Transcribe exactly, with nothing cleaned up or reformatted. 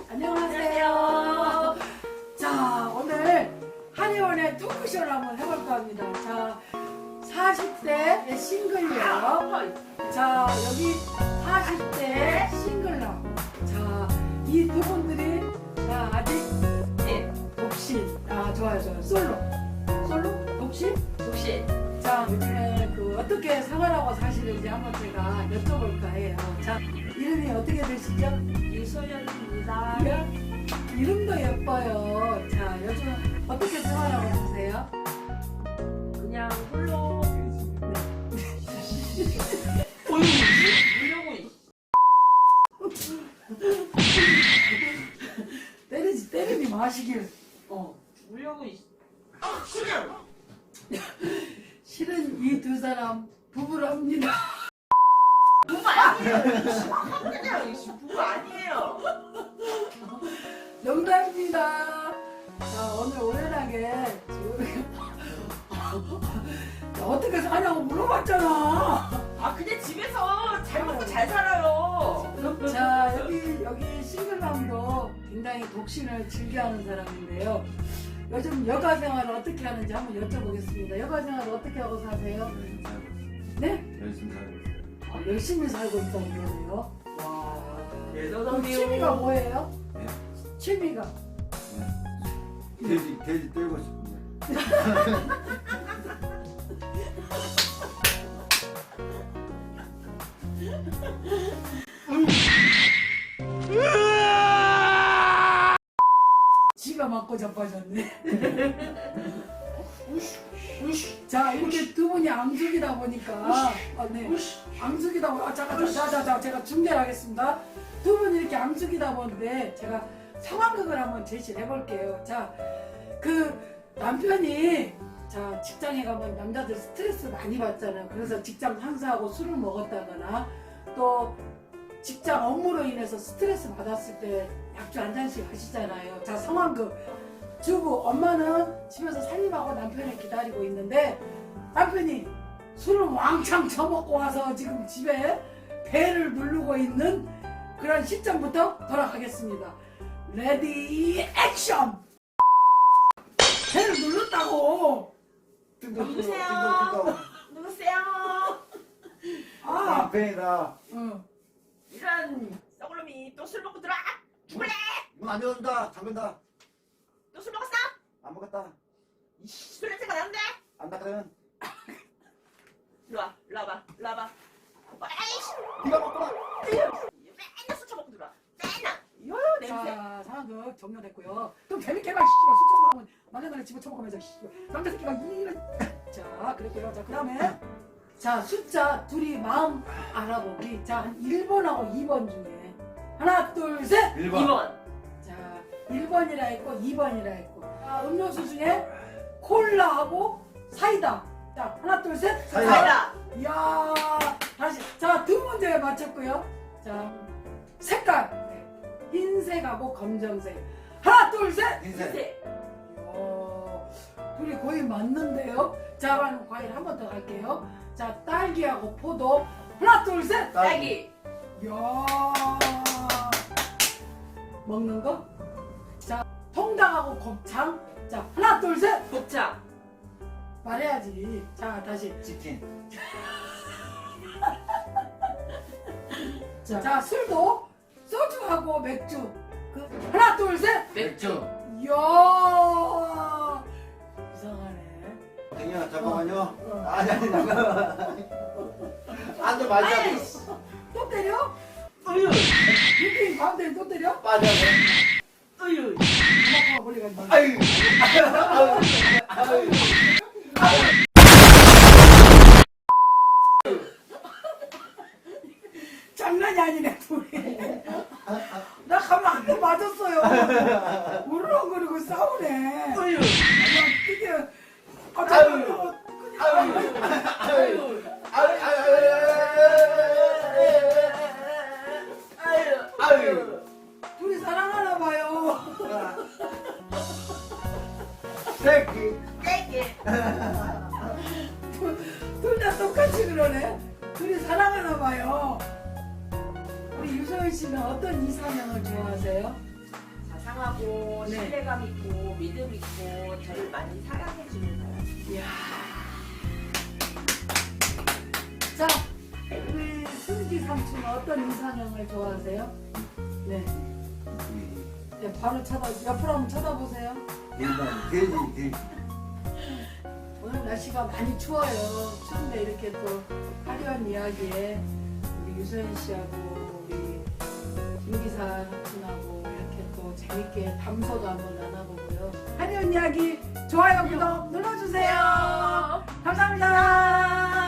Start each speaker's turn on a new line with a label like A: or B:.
A: 안녕하세요. 자, 오늘 한의원의 토크쇼를 한번 해볼까 합니다. 자, 사십 대 싱글녀. 자, 여기 사십 대 싱글남. 자, 이 두 분들이 자, 아직
B: 네.
A: 독신. 아, 좋아요, 좋아요. 솔로. 솔로? 독신?
B: 독신.
A: 자, 요즘에 그 어떻게 생활하고 사시는지 한번 제가 여쭤볼까 해요. 자, 이름이 어떻게 되시죠?
B: 이소연입니다.
A: 이름도 예뻐요. 자, 요즘 어떻게 생활하고 사세요?
B: 그냥 홀로.
A: 네.
B: 이러고
A: 때리지, 때리지 마시길. 어.
B: 울려고 있.
A: 실은 이 두 사람 부부랍니다.
B: 부부 아니에요. 그냥 부부 아니에요.
A: 농담입니다. 자, 오늘 오연하게 지금 어떻게 사냐고 물어봤잖아.
B: 아 근데 집에서 잘 먹고 잘 살아요.
A: 자, 여기 여기 싱글맘도 굉장히 독신을 즐겨하는 사람인데요. 요즘 여가 생활을 어떻게 하는지 한번 여쭤보겠습니다. 여가 생활을 어떻게 하고 사세요? 네?
C: 열심히 살고 있어요.
A: 아, 열심히 살고 있다고 그러네요. 와. 그럼
B: 네,
A: 취미가 뭐예요?
C: 네.
A: 취미가?
C: 네. 돼지, 돼지 떼고 싶은데.
A: 지가 맞고 자빠졌네. 자, 이렇게 두 분이 앙숙이다 보니까 아, 네. 앙숙이다 보니까 아, 잠깐 자자자 제가 중계를 하겠습니다. 두 분이 이렇게 앙숙이다 보는데 제가 상황극을 한번 제시를 해볼게요. 자, 그 남편이 자 직장에 가면 남자들 스트레스 많이 받잖아요. 그래서 직장 상사하고 술을 먹었다거나 또 직장 업무로 인해서 스트레스 받았을 때 약주 한 잔씩 하시잖아요. 자, 상황극. 주부, 엄마는 집에서 살림하고 남편을 기다리고 있는데 남편이 술을 왕창 처먹고 와서 지금 집에 배를 누르고 있는 그런 시점부터 돌아가겠습니다. 레디 액션! 배를 눌렀다고!
B: 누구세요? 누구세요?
A: 아!
C: 팬이다.
A: 응.
B: 이런 썩을놈이 또 술 먹고 들어와. 죽을래?
C: 문 안 열어준다. 잠근다.
B: 또 술 먹었어?
C: 안 먹었다.
B: 이씨, 술 냄새가 나는데?
C: 안 닦으면
B: 일로 와, 일로 와봐, 일로 와봐. 아이씨,
C: 네가 먹구나.
B: 맨날 술 처먹고 들어와. 맨날. 요 냄새.
A: 자, 상황극 종료됐고요. 좀 재밌게 해봐, 씨발. 술 처먹으면 남자들을 집어 처먹으면서, 씨발. 남자 새끼가 이런. 자, 그랬고요. 자, 그 다음에. 자, 숫자 둘이 마음 알아보기. 자, 한 일 번하고 이 번 중에. 하나, 둘, 셋!
C: 일
B: 이
C: 번.
B: 번.
A: 자, 일 번이라 했고, 이 번이라 했고. 자, 음료수 중에 콜라하고 사이다. 자, 하나, 둘, 셋!
C: 사이다.
B: 사이다.
A: 이야, 다시. 자, 두 문제 맞췄고요. 자, 색깔. 네. 흰색하고 검정색. 하나, 둘, 셋!
C: 흰색.
B: 흰색.
A: 이야, 둘이 거의 맞는데요? 자, 그럼 과일 한 번 더 갈게요. 자, 딸기하고 포도. 하나, 둘, 셋!
B: 딸기.
A: 이야, 먹는 거? 자, 통닭하고 곱창. 자, 하나, 둘, 셋!
B: 곱창.
A: 말해야지. 자, 다시.
C: 치킨.
A: 자, 자, 술도 소주하고 맥주. 그 하나, 둘, 셋!
C: 맥주.
A: 이야, 이상하네.
C: 댕이야 잠깐만요.
A: 어.
C: 아니 아니 잠깐만. 앉아 말자.
B: 아이씨.
A: 또 때려?
B: 어휴.
A: 유빈 가운데 또 때려?
C: 빠져.
B: 어휴.
A: 엄마가 멀리 가지 마.
C: 아유. 아유. 아유.
A: 장난이 아니네, 둘이. 나 가면 한 대 맞았어요. 우르렁거리고 싸우네.
B: 어휴.
A: 그냥 그게
C: 아유.
A: 갑자기
C: 아유.
B: 아유.
C: 아유.
B: 아유.
C: 아유.
A: 둘이 사랑하나 봐요.
C: 새끼.
B: 딸기.
A: 둘 다 똑같이 그러네. 둘이 사랑하나 봐요. 우리 유소연 씨는 어떤 이상형을 좋아하세요?
B: 사랑하고
A: 네.
B: 신뢰감 있고 믿음 있고 저를 많이 사랑해 주는 사람.
A: 이야. 자, 우리 승기 삼촌은 어떤 이상형을 좋아하세요? 네. 네, 바로 쳐다, 옆으로 한번 쳐다보세요.
C: 일단 돼지 돼지.
A: 오늘 날씨가 많이 추워요. 추운데 이렇게 또 화려한 이야기에 우리 유소연 씨하고 우리 김기사 삼촌하고 이렇게 또 재밌게 담소도 한번 나눠보고요. 화려한 이야기 좋아요, 구독 눌러주세요. 감사합니다.